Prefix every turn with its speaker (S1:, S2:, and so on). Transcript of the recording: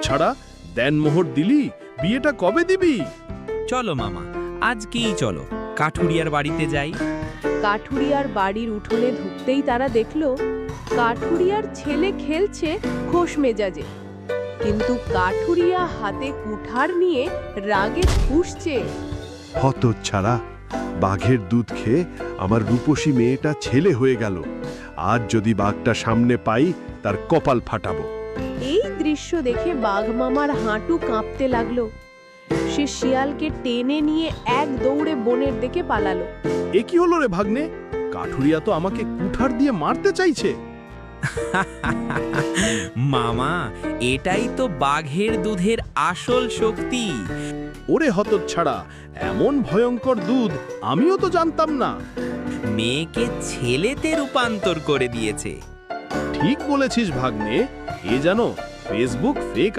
S1: হতচ্ছাড়া, দেনমোহর দিলি, বিয়েটা কবে দিবি?
S2: চলো মামা, আজকেই চলো, কাঠুরিয়ার বাড়িতে যাই।
S3: কাঠুরিয়ার বাড়ির উঠোনে ঢুকতেই তারা দেখল কাঠুরিয়ার ছেলে খেলছে খোশ মেজাজে, কিন্তু কাঠুরিয়া হাতে কুঠার নিয়ে রাগে ফুঁসছে।
S4: হতচ্ছাড়া, বাঘের দুধ খেয়ে আমার রূপসী মেয়েটা ছেলে হয়ে গেল। আজ যদি বাঘটা সামনে পাই, তার কপাল ফাটাবো।
S3: এই দৃশ্য দেখে বাঘ মামার হাঁটু কাঁপতে লাগলো। সে শিয়ালকে টেনে নিয়ে এক দৌড়ে বনের দিকে পালালো।
S1: এ কি হলো রে ভাগ্নে? কাঠুরিয়া তো আমাকে কুঠার দিয়ে মারতে চাইছে।
S2: মামা, এটাই তো বাঘের দুধের আসল শক্তি।
S1: ওরে হতচ্ছাড়া, এমন ভয়ঙ্কর দুধ আমিও তো জানতাম না।
S2: মেয়েকে ছেলেতে রূপান্তর করে দিয়েছে।
S1: ঠিক বলেছিস ভাগ্নে, এ যেন ফেসবুক ফেক